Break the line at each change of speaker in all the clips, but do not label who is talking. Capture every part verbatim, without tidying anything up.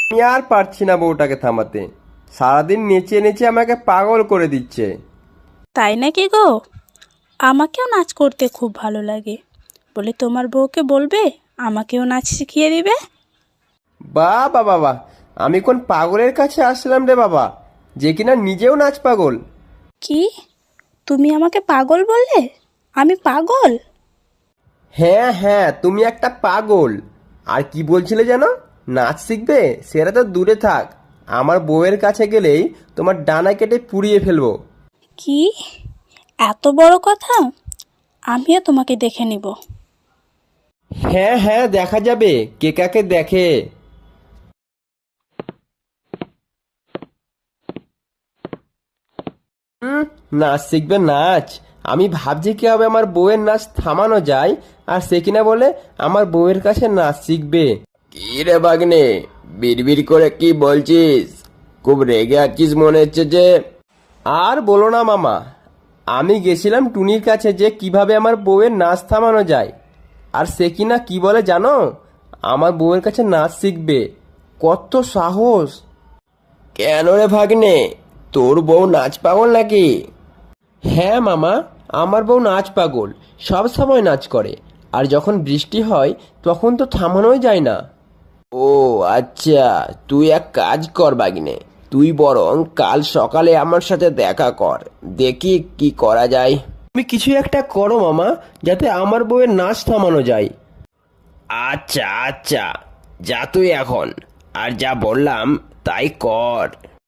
আমি আর পারছি না বউটাকে থামাতে, সারাদিন নেচে নেচে আমাকে পাগল করে দিচ্ছে।
তাই নাকি গো? আমাকেও নাচ করতে খুব ভালো লাগে, বলে তোমার বউকে বলবে আমাকেও নাচ শিখিয়ে দিবে।
বাহ বাবা বাবা, আমি কোন পাগলের কাছে আসলাম রে বাবা, যে কিনা নিজেও নাচ পাগল।
কি, তুমি আমাকে পাগল বললে? আমি পাগল?
হ্যাঁ হ্যাঁ, তুমি একটা পাগল। আর কি বলছিলে যেন, নাচ শিখবে? সেটা তো দূরে থাক, আমার বউয়ের কাছে গেলেই তোমার ডানা কেটে পুড়িয়ে ফেলবো।
কি, এত বড় কথা? আমিও তোমাকে দেখে নিব।
হ্যাঁ হ্যাঁ, দেখা যাবে কে কাকে দেখে। হুম, নাচ শিখবে নাচ? আমি ভাবছি কিভাবে আমার বউয়ের নাচ থামানো যায়, আর সে কিনা বলে আমার বউয়ের কাছে নাচ শিখবে। কি রে বাগনে, বিড়বিড় করে কি বলছিস? খুব রেগে আছিস মনে হচ্ছে যে। আর বলো না মামা, আমি গেছিলাম টুনির কাছে যে কিভাবে আমার বউয়ের নাচ থামানো যায়, আর সে কিনা কি বলে জানো, আমার বউয়ের কাছে নাচ শিখবে। কত সাহস! কেন রে ভাগ্নে, তোর বউ নাচ পাগল নাকি? হ্যাঁ মামা, আমার বউ নাচ পাগল, সব সময় নাচ করে, আর যখন বৃষ্টি হয় তখন তো থামানোই যায় না। ও আচ্ছা, তুই এক কাজ কর বাগিনে, তুই বরং কাল সকালে আমার সাথে দেখা কর, দেখি কি করা যায়। তুমি কিছু একটা করো মামা, যাতে আমার বউয়ের নাচ থামানো যায়। আচ্ছা আচ্ছা, যা তুই এখন, আর যা বললাম তাই কর।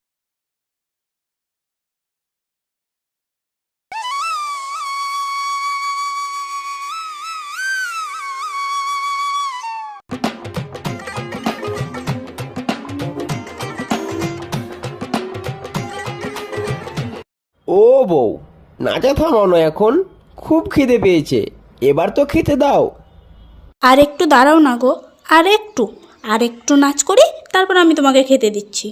ও বউ, নাচা থামানো এখন, খুব খিদে পেয়েছে, এবার তো খেতে দাও।
আর একটু দাঁড়াও না গো, আর একটু, আর একটু নাচ করি, তারপর আমি তোমাকে খেতে দিচ্ছি।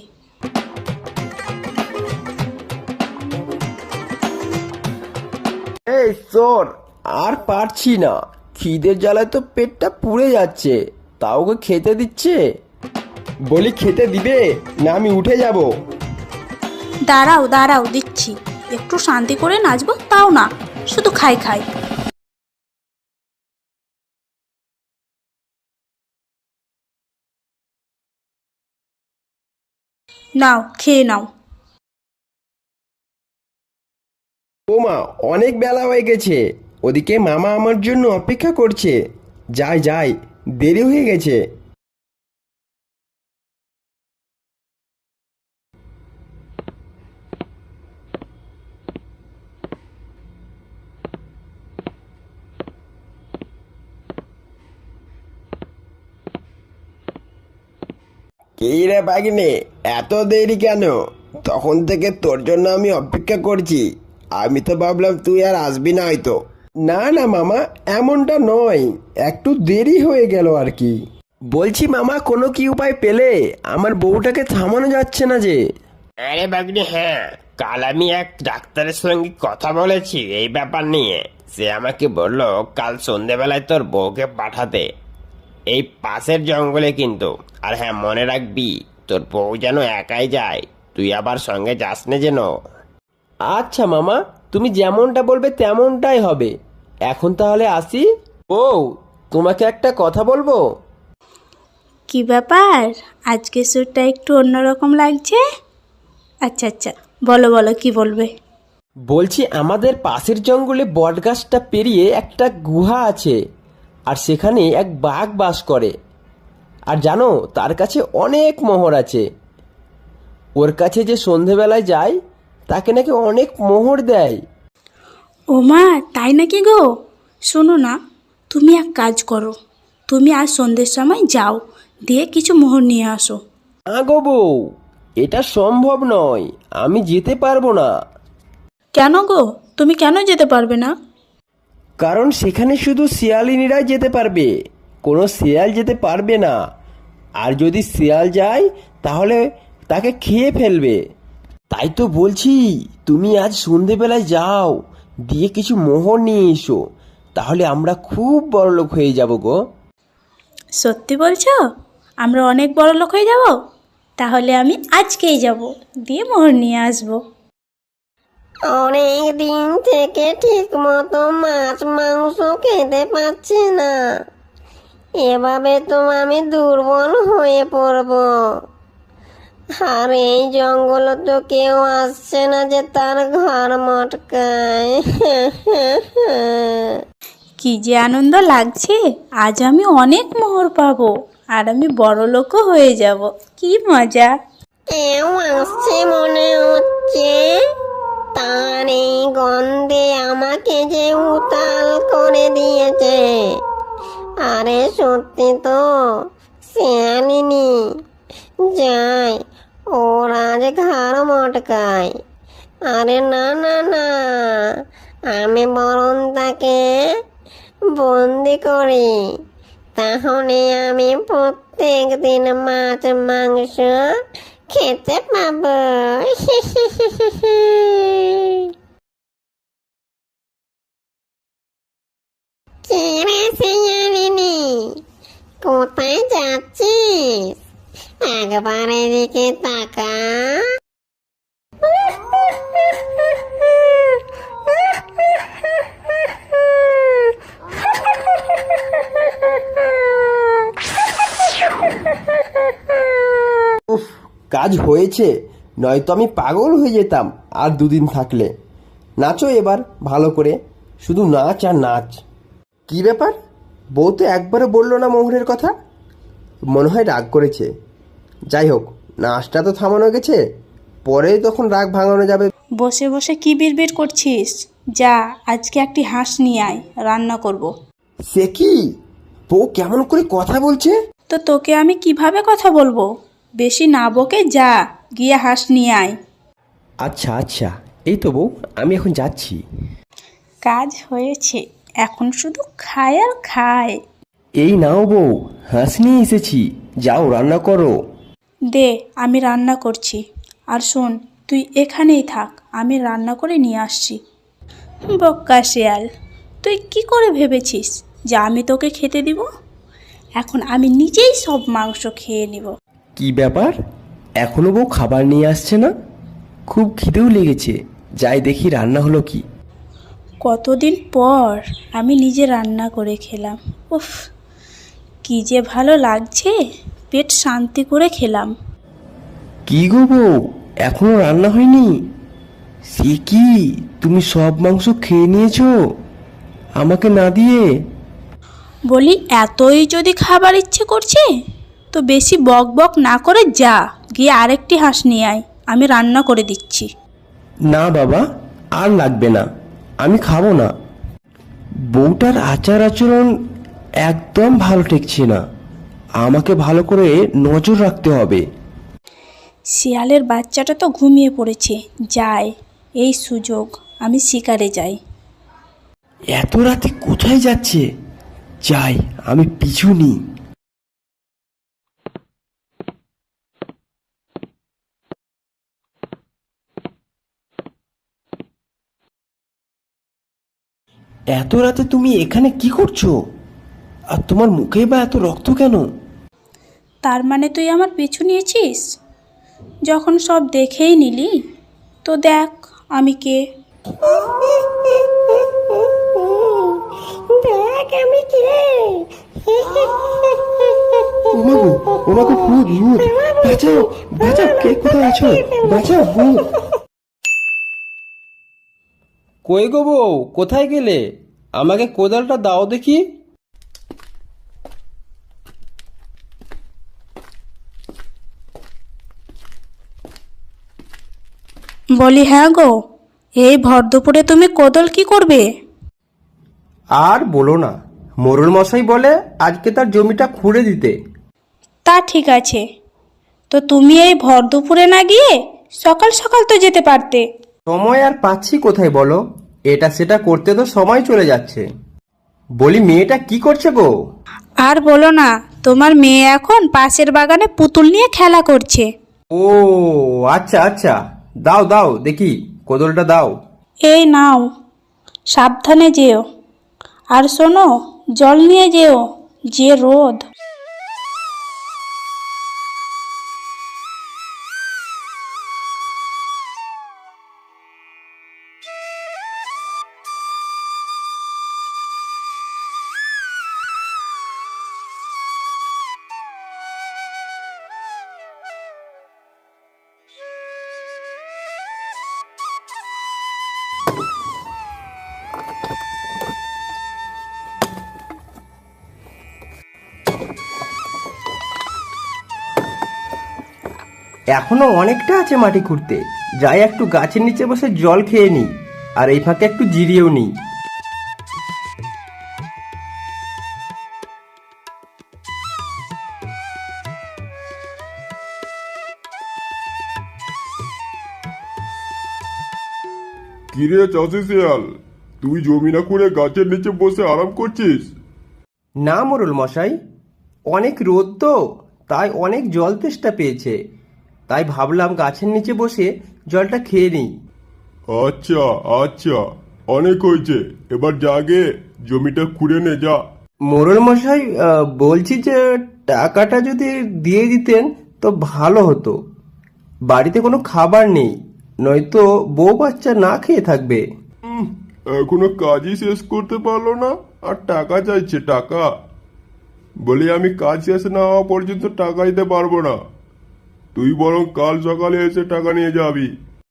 এই চোর, আর পারছি না, খিদের জ্বালায় তো পেটটা পুড়ে যাচ্ছে, তাও ওকে খেতে দিচ্ছে। বলি খেতে দিবে না আমি উঠে যাব?
দাঁড়াও দাঁড়াও, দিচ্ছি। একটু শান্তি করে নাচবো তাও না, শুধু খাই খাই। নাও, খেয়ে নাও।
ও মা, অনেক বেলা হয়ে গেছে, ওদিকে মামা আমার জন্য অপেক্ষা করছে, যাই যাই, দেরি হয়ে গেছে। কি রে বাগিনে, এত দেরি কেন? তখন থেকে তোর জন্য আমি অপেক্ষা করছি, আমি তো ভাবলাম তুই আর আসবি না হয়তো। না না মামা, এমনটা নয়, একটু দেরি হয়ে গেল আর কি। বলছি মামা, কোনো কি উপায় পেলে? আমার বউটাকে থামানো যাচ্ছে না যে।
আরে বাগনি, হ্যাঁ, কাল আমি এক ডাক্তারের সঙ্গে কথা বলেছি এই ব্যাপার নিয়ে। সে আমাকে বললো কাল সন্ধেবেলায় তোর বউকে পাঠাতে এই পাশের জঙ্গলে কিন্তু। আর হ্যাঁ, মনে রাখবি তোর বউ যেন একাই যায়, তুই আবার সঙ্গে যাস না যেন।
আচ্ছা মামা, তুমি যেমনটা বলবে তেমনটাই হবে। এখন তাহলে আসি। ও, তোমাকে একটা কথা বলবো।
কি ব্যাপার, আজকে সুরটা একটু অন্যরকম লাগছে। আচ্ছা আচ্ছা, বলো বলো, কি বলবে?
বলছি আমাদের পাশের জঙ্গলে বটগাছটা পেরিয়ে একটা গুহা আছে, আর সেখানে এক বাঘ বাস করে। আর জানো, তার কাছে অনেক মোহর আছে। ওর কাছে যে সন্ধেবেলায় যায়, তাকে নাকি অনেক মোহর দেয়।
ও মা, তাই নাকি গো? শোনো না, তুমি এক কাজ করো, তুমি আজ সন্ধ্যের সময় যাও, দিয়ে কিছু মোহর নিয়ে আসো।
না গো বউ, এটা সম্ভব নয়, আমি যেতে পারবো না।
কেন গো, তুমি কেন যেতে পারবে না?
কারণ সেখানে শুধু শিয়ালিনীরাই যেতে পারবে, কোনো শিয়াল যেতে পারবে না। আর যদি শিয়াল যায়, তাহলে তাকে খেয়ে ফেলবে। তাই তো বলছি, তুমি আজ সন্ধেবেলায় যাও, দিয়ে কিছু মোহর নিয়ে এসো, তাহলে আমরা খুব বড়লোক হয়ে যাব গো।
সত্যি বলছো? আমরা অনেক বড় লোক হয়ে যাব? তাহলে আমি আজকেই যাব, দিয়ে মোহর নিয়ে আসবো।
অনেক দিন থেকে ঠিক মতো মাছ মাংস খেতে পাচ্ছি না, এভাবে তো আমি দুর্বল হয়ে পড়ব। আর এই জঙ্গলে তো কেউ আসছে না যে তার ঘর মটকায়।
কি যে আনন্দ লাগছে, আজ আমি অনেক মোহর পাবো আর আমি বড় লোকও হয়ে যাব। কি মজা!
কেউ আসছে মনে হচ্ছে, তার এই গন্ধে আমাকে যে উতাল করে দিয়েছে। আরে সত্যি তো, শিয়ালিনী। যাই, ওর আজ ঘাড় মটকায়। আরে না না না, আমি বরং তাকে বন্দি করি, তাহলে আমি প্রত্যেক দিন মাছ মাংস খেতে পাবো। কে শিয়ালিনী, কোথায় যাচ্ছিস? একবার এদিকে তাকা।
উফ, কাজ হয়েছে, নয়তো আমি পাগল হয়ে যেতাম আর দুদিন থাকলে। নাচো এবার ভালো করে, শুধু নাচ আর নাচ। কি ব্যাপার, বউ তো একবারও বললো না মোহরের কথা? মনে হয় রাগ করেছে। যাই হোক, নাচটা তো থামানো গেছে, পরে তখন রাগ ভাঙানো যাবে।
বসে বসে কি বিড়বিড় করছিস? যা, আজকে একটি হাঁস নিয়ে আয়, রান্না করব।
সে কি, বউ কেমন করে কথা বলছে?
তো তোকে আমি কিভাবে কথা বলবো? বেশি না বকে যা, গিয়ে হাঁস নিয়ে আয়।
আচ্ছা আচ্ছা, এই তো বউ, আমি এখন যাচ্ছি।
কাজ হয়েছে, এখন শুধু খায় আর খায়।
এই নাও বউ, হাঁস নিয়ে এসেছি, যাও রান্না করো।
দে, আমি রান্না করছি। আর শোন, তুই এখানেই থাক, আমি রান্না করে নিয়ে আসছি। বক্কা শেয়াল, তুই কি করে ভেবেছিস যে আমি তোকে খেতে দিব? এখন আমি নিজেই সব মাংস খেয়ে নিব।
কি ব্যাপার, এখনো বউ খাবার নিয়ে আসছে না? খুব খিদেও লেগেছে, যাই দেখি রান্না হলো কি।
কতদিন পর আমি নিজে রান্না করে খেলাম। উফ, কি যে ভালো লাগছে, পেট শান্তি করে খেলাম।
কি গো বউ, এখনো রান্না হয়নি? সে কি, তুমি সব মাংস খেয়ে নিয়েছো আমাকে না দিয়ে?
বলি, এতই যদি খাবার ইচ্ছে করছে তো বেশি বক বক না করে যা, গিয়ে আরেকটি হাঁস নিয়ে আয়, আমি রান্না করে দিচ্ছি।
না বাবা, আর লাগবে না, আমি খাবো না। বউটার আচার আচরণ একদম ভালো ঠেকছে না, আমাকে ভালো করে নজর রাখতে হবে।
শিয়ালের বাচ্চাটা তো ঘুমিয়ে পড়েছে, যাই, এই সুযোগ, আমি শিকারে যাই।
এত রাতে কোথায় যাচ্ছে? যাই, আমি পিছু নিই। এত রাতে তুমি এখানে কি করছো? আর তোমার মুখে বা এত রক্ত কেন?
তার মানে তুই আমার পিছু নিয়েছিস? যখন সব দেখেই নিলি, তো দেখ আমি কে।
দেখ আমি কে।
ওমাগো, ওমাগো, ভূত ভূত, বাঁচাও বাঁচাও, কে কোথায় আছো? বাঁচাও, ভূত। কই গো বউ, কোথায় গেলে? আমাকে কোদালটা দাও দেখি।
বলি, হ্যাঁ গো, এই ভর দুপুরে তুমি কোদল কি করবে?
আর বলো না, মোরল মশাই বলে আজকে তার জমিটা খুঁড়ে দিতে।
তা ঠিক আছে, তো তুমি এই ভর দুপুরে না গিয়ে সকাল সকাল তো যেতে পারতে।
সময় আর পাচ্ছি কোথায় বলো, এটা সেটা করতে তো সময় চলে যাচ্ছে। বলি, মেয়েটা কি করছে গো?
আর বলো না, তোমার মেয়ে এখন পাশের বাগানে পুতুল নিয়ে খেলা করছে।
ও আচ্ছা আচ্ছা, দাও দাও দেখি, কোদলটা দাও।
এই নাও, সাবধানে যেও, আর শোনো, জল নিয়ে যেও, যে রোদ।
এখনো অনেকটা আছে মাটি খুঁড়তে, যাই একটু গাছের নিচে বসে জল খেয়ে নিই, আর এই ফাঁকে একটু জিরিয়েও নিই।
কিরে চাষি শিয়াল, তুই জমি না করে গাছের নিচে বসে আরাম করছিস?
না মোরল মশাই, অনেক রোদ তো, তাই অনেক জল তেষ্টা পেয়েছে, তাই ভাবলাম গাছের নিচে বসে জলটা খেয়ে নিই।
আচ্ছা আচ্ছা, অনেক হয়েছে, এবার জাগে জমিটা খুঁড়ে নে যা।
মোরল মশাই, আহ, বলছি যে টাকাটা যদি দিয়ে দিতেন তো ভালো হতো। বাড়িতে কোনো খাবার নেই, নয়তো বউ বাচ্চা না খেয়ে থাকবে।
উম, এখনো কাজই শেষ করতে পারলো না আর টাকা চাইছে টাকা। বলি আমি কাজ শেষ না হওয়া পর্যন্ত টাকা দিতে পারবো না, তুই বরং কাল সকালে এসে টাকা নিয়ে যাবি।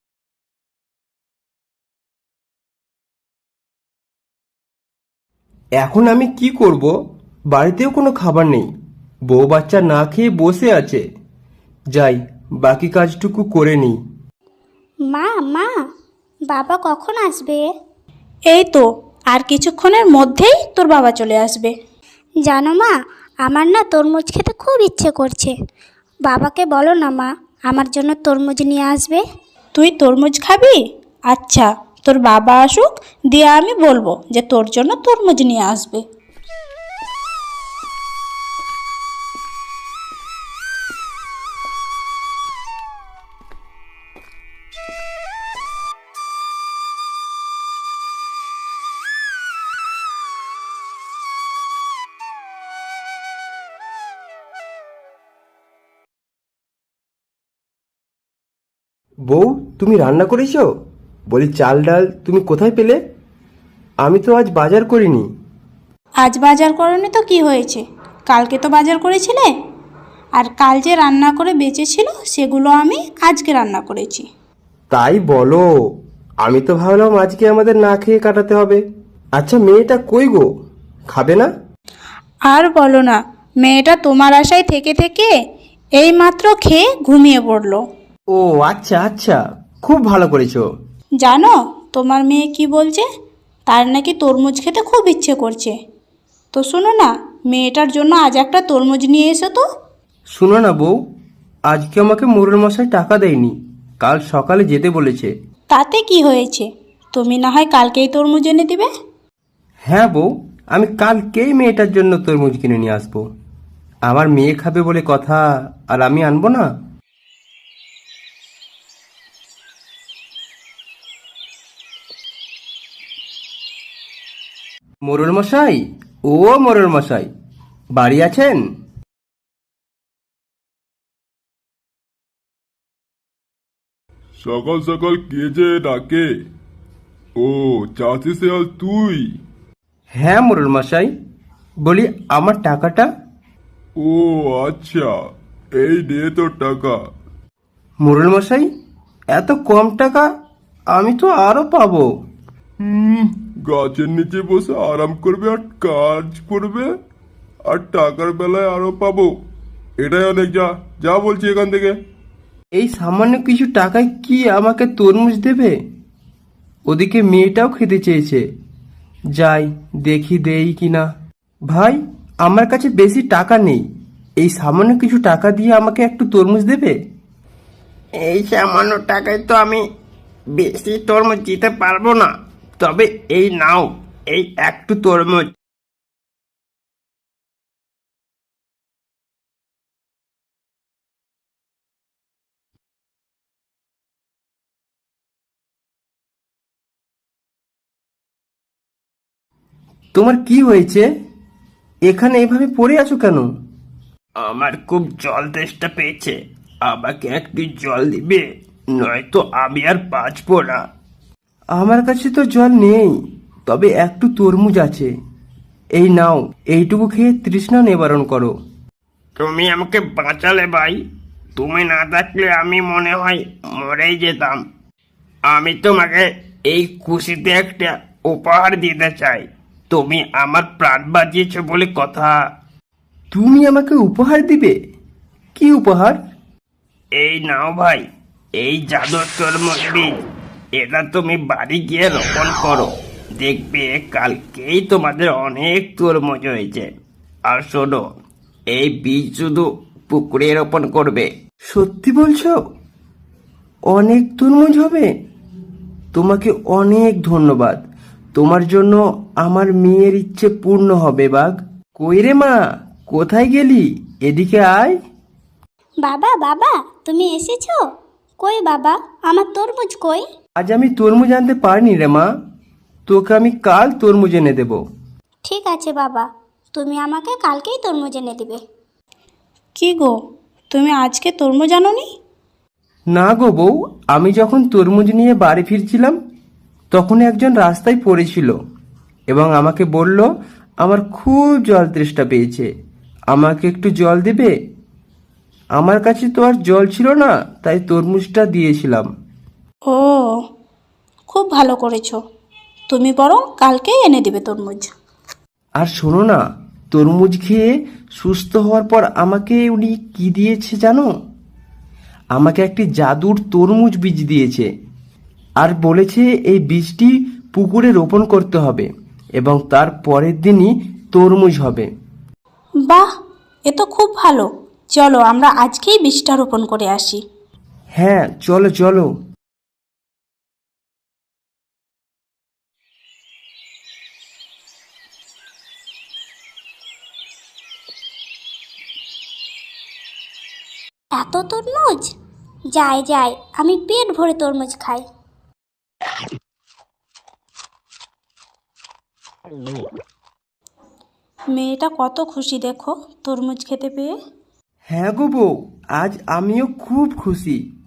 এখন আমি কি করব? বাড়িতেও কোনো খাবার নেই, বউ বাচ্চা না খেয়ে বসে আছে। যাই, বাকি কাজটুকু করে নিই।
মা মা বাবা কখন আসবে?
এই তো আর কিছুক্ষণের মধ্যেই তোর বাবা চলে আসবে।
জানো মা, আমার না তরমুজ খেতে খুব ইচ্ছে করছে। বাবাকে বলো না মা, আমার জন্য তরমুজ নিয়ে আসবে।
তুই তরমুজ খাবি? আচ্ছা, তোর বাবা আসুক, দিয়ে আমি বলবো যে তোর জন্য তরমুজ নিয়ে আসবে।
বউ, তুমি রান্না করেছো? বলি চাল ডাল তুমি কোথায় পেলে? আমি তো আজ বাজার করিনি।
আজ বাজার করনি তো কি হয়েছে, কালকে তো বাজার করেছিলে, আর কাল যে রান্না করে বেঁচেছিল সেগুলো আমি আজকে রান্না করেছি।
তাই বলো? আমি তো ভাবলাম আজকে আমাদের না খেয়ে কাটাতে হবে। আচ্ছা, মেয়েটা কই গো, খাবে না?
আর বলো না, মেয়েটা তোমার আশায় থেকে থেকে এই মাত্র খেয়ে ঘুমিয়ে পড়লো।
ও আচ্ছা আচ্ছা, খুব ভালো করেছো।
জানো তোমার মেয়ে কি বলছে? তার নাকি তরমুজ খেতে খুব ইচ্ছে করছে। তো শোনো না, মেয়েটার জন্য আজ একটা তরমুজ নিয়ে এসো তো।
শুনো না বউ, আজকে আমাকে মোরল মশাই টাকা দেয়নি, কাল সকালে যেতে বলেছে।
তাতে কি হয়েছে, তুমি না হয় কালকেই তরমুজ এনে দিবে।
হ্যাঁ বউ, আমি কালকেই মেয়েটার জন্য তরমুজ কিনে নিয়ে আসবো। আমার মেয়ে খাবে বলে কথা, আর আমি আনবো না? মোরল মশাই, ও মোরল মশাই, বাড়ি আছেন?
সকাল সকাল কে যে ডাকে? ও চাষি শিয়াল তুই?
হ্যাঁ মোরল মশাই, বলি আমার টাকাটা?
ও আচ্ছা, এই নে তোর টাকা।
মোরল মশাই, এত কম টাকা? আমি তো আরো পাবো।
হুম, গাছের নিচে বসে আরাম করবে আর কাজ করবে, আর টাকার বেলায় আরো পাবো, এটাই অনেক। যা যা বলছি এখান থেকে।
এই সামান্য কিছু টাকায় কি আমাকে তরমুজ দেবে? ওদিকে মেয়েটাও খেতে চেয়েছে, যাই দেখি দেই কিনা। ভাই, আমার কাছে বেশি টাকা নেই, এই সামান্য কিছু টাকা দিয়ে আমাকে একটু তরমুজ দেবে?
এই সামান্য টাকায় তো আমি বেশি তরমুজ দিতে পারবো না, তবে এই নাও, এই একটু তরমুজ।
তোমার কি হয়েছে? এখানে এভাবে পড়ে আছো কেন?
আমার খুব জল তেষ্টা পেয়েছে, আমাকে একটু জল দিবে, নয়তো আমি আর বাঁচবো না।
আমার কাছে তো জল নেই, তবে একটু তরমুজ আছে, এই নাও, এইটুকু খেয়ে তৃষ্ণা নিবারণ করো।
তুমি আমাকে বাঁচালে ভাই, তুমি না থাকলে আমি মনে হয় মরেই যেতাম। আমি তোমাকে এই খুশিতে একটা উপহার দিতে চাই, তুমি আমার প্রাণ বাঁচিয়েছো বলে কথা।
তুমি আমাকে উপহার দিবে? কি উপহার?
এই নাও ভাই, এই জাদুর তরমুজ বীজ, এটা তুমি বাড়ি গিয়ে রোপণ করো। দেখবে কালকেই তোমাদের অনেক তরমুজ হয়েছে। আর শোনো, এই বীজ শুধু পুকুরে রোপণ করবে।
সত্যি বলছো? অনেক তরমুজ হবে? তোমাকে অনেক ধন্যবাদ। তোমার জন্য আমার মেয়ের ইচ্ছে পূর্ণ হবে বাঘ। কই রে মা, কোথায় গেলি? এদিকে আয়।
বাবা বাবা তুমি এসেছো? কই বাবা, আমার তরমুজ কই?
আজ আমি তরমুজ আনতে পারিনি রে মা, তোকে আমি কাল তরমুজ এনে দেব।
ঠিক আছে বাবা, তুমি আমাকে কালকেই তরমুজ এনে দিবে।
কি গো, তুমি আজকে তরমুজ আনোনি?
না গো বউ, আমি যখন তরমুজ নিয়ে বাড়ি ফিরছিলাম তখন একজন রাস্তায় পড়েছিল এবং আমাকে বলল আমার খুব জল তেষ্টা পেয়েছে, আমাকে একটু জল দেবে? আমার কাছে তো আর জল ছিল না, তাই তরমুজটা দিয়েছিলাম।
ও, খুব ভালো করেছো। তুমি বরং কালকেই এনে দিবে তরমুজ।
আর শোনো না, তরমুজ খেয়ে সুস্থ হওয়ার পর আমাকে উনি কি দিয়েছে জানো? আমাকে একটি জাদুর তরমুজ বীজ দিয়েছে আর বলেছে এই বীজটি পুকুরে রোপণ করতে হবে এবং তার পরের দিনই তরমুজ হবে।
বাহ, এ তো খুব ভালো। চলো আমরা আজকেই বীজটা রোপণ করে আসি।
হ্যাঁ চলো চলো।
এত তরমুজ? যাই যাই, আমি পেট ভরে তরমুজ খাই।
মেয়েটা কত খুশি দেখো তরমুজ খেতে পেয়ে।
হ্যাঁ গো বউ, আজ আমিও খুব খুশি।